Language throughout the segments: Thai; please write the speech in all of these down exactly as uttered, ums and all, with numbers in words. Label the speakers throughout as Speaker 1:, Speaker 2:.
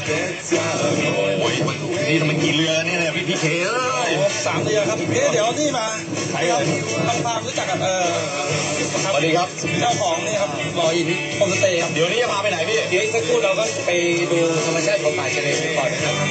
Speaker 1: โอ้ยนี่ทำไมกี่เรือเนี่ยพี่พี่เคเอ้ย
Speaker 2: สามเรือครับเอ๊ะเดี๋ยวนี่มาใครครับทำความรู้จักกับเออ
Speaker 1: สวัสดีครับ
Speaker 2: เจ้าของนี่ครับรออินโฮมสเตย์ครับ
Speaker 1: เดี๋ยวนี้จะพาไปไหนพี่
Speaker 2: เดี๋ยวอีกสักครู่เราก็ไปดูธรรมชาติของป่าชายเลนก่อนนะครับ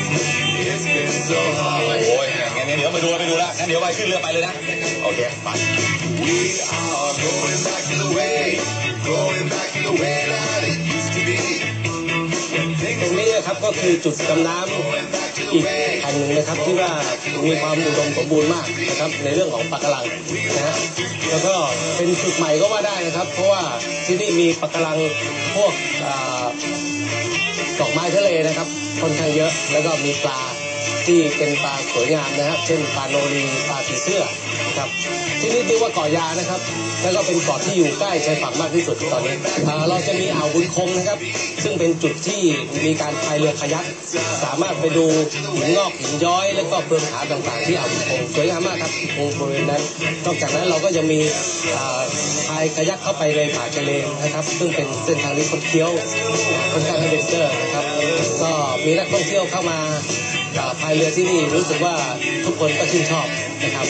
Speaker 1: โอ้ยงั้นเดี๋ยวไปดูไปดูแล้วงั้นเดี๋ยวไปขึ้นเรือไปเลยนะโอเคไป We are going back to the way going back to the way that it used to be
Speaker 2: ตรงนี้นะครับก็คือจุดดำน้ำอีกแห่งหนึ่งนะครับที่ว่ามีความอุดมสมบูรณ์มากนะครับในเรื่องของปะการังนะฮะแล้วก็เป็นจุดใหม่ก็ว่าได้นะครับเพราะว่าที่นี่มีปะการังพวกดอกไม้ทะเลนะครับค่อนข้างเยอะแล้วก็มีปลาที่เป็นปลาสวยงามนะครับเช่นปลาโนรีปลาผีเสื้อนะครับที่นี่เรียกว่าเกาะยานะครับแล้วก็เป็นเกาะที่อยู่ใกล้ชายฝั่งมากที่สุดตอนนี้เราจะมีอ่าวบุญคงนะครับซึ่งเป็นจุดที่มีการพายเรือคายัคสามารถไปดูหินงอกหินย้อยแล้วก็เปลือกผาต่างๆที่อ่าวบุญคงสวยงามมากครับบริเวณนั้นนอกจากนั้นเราก็จะมีพายคายัคเข้าไปในป่าชายเลนนะครับซึ่งเป็นเส้นทางที่คดเคี้ยวค่อนข้างแอดเวนเจอร์นะครับก็มีนักท่องเที่ยวเข้ามาพายเรือที่นี่รู้สึกว่าทุกคนก็ชื่นชอบนะครับ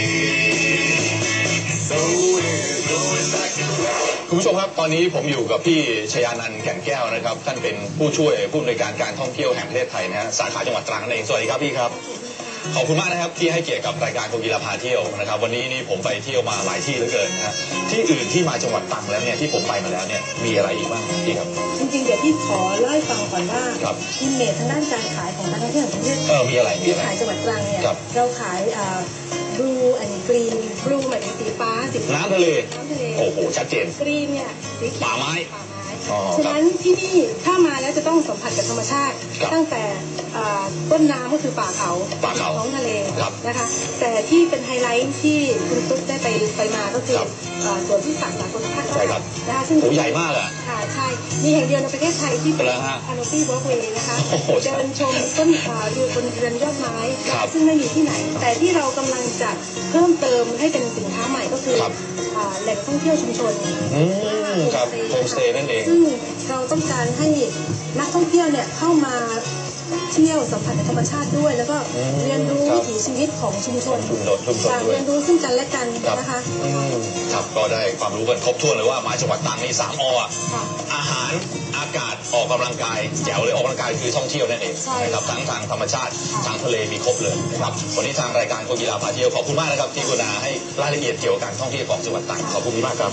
Speaker 1: คุณผู้ชมครับตอนนี้ผมอยู่กับพี่ชยานันท์แก่นแก้วนะครับท่านเป็นผู้ช่วยผู้อำนวยการการท่องเที่ยวแห่งประเทศไทยนะฮะสาขาจังหวัดตรังนั่นเองสวัสดีครับพี่ครับขอบคุณมากนะครับที่ให้เกียรติกับรายการโคกีฬาพาเที่ยวนะครับวันนี้นี่ผมไปเที่ยวมาหลายที่เหลือเกินนะฮะที่อื่นที่มาจังหวัดตรังแล้วเนี่ยที่ผมไปมาแล้วเนี่ยมีอะไรอีกบ้างพี่ครับ
Speaker 3: จริงๆเดี๋ยวพี่ขอเล่าให้ฟังก่อนว่าอิมเมจทางด้านการขายของการท่องเที่ยวของประเทศ
Speaker 1: เออมีอะไรมีอะไร
Speaker 3: ขายจังหวัดตรังเนี่ยเราขายบลูแอนด์กรีนบลูหมายถึงสีฟ้าสี
Speaker 1: น้ำทะเลน้ำทะเลโอ้โหชัดเจน
Speaker 3: กรีนเนี่ยสีเขียว
Speaker 1: ป่าไม้
Speaker 3: ฉะนั้นที่นี่ถ้ามาแล้วจะต้องสัมผัสกับธรรมชาติตั้งแต่ต้นน้ำก็คือป่าเขาท้องทะเลนะคะแต่ที่เป็นไฮไลท์ที่คุณตุ๊กได้ไปไปมาก็คือสวนที่สักสากลภาคใต้
Speaker 1: นะคะซึ่งใหญ่มากอ่ะ
Speaker 3: ค่ะใช่มีแห่งเดียวในประเทศไทยที่เป็นคานอปี้วอล์กเวย์นะคะเดินชมต้นอยู่บนเรือนยอดไม้ซึ่งไม่มีที่ไหนแต่ที่เรากำลังจะเพิ่มเติมให้เป็นสินค้าใหม่ก็คือแหล่งท่องเที่ยวชุมชน
Speaker 1: ครับโฮมสเตย์นั่นเอง
Speaker 3: ซึ่งเราต้องการให้นักท่องเที่ยวเนี่ยเข้ามาเที่ยวสัมผัสกับธรรมชาติด้วยแล้วก็เรียนรู้วิถีชีวิตของชุมชนเรียนรู้ซึ่งกันและกันนะคะ
Speaker 1: ครับก็ได้ความรู้กันครบถ้วนเลยว่ามาจังหวัดตรังนี่สามออาหารอากาศออกกำลังกายแจ๋วเลยออกกำลังกายคือท่องเที่ยวนั่นเองนะครับทั้งทางธรรมชาติทางทะเลมีครบเลยนะครับวันนี้ทางรายการโคกีฬาพาเที่ยวขอบคุณมากนะครับที่กรุณาให้รายละเอียดเกี่ยวกับการท่องเที่ยวของจังหวัดตรังขอบคุณมากครับ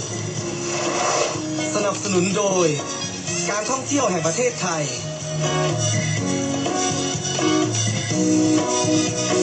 Speaker 2: สนับสนุนโดยการท่องเที่ยวแห่งประเทศไทย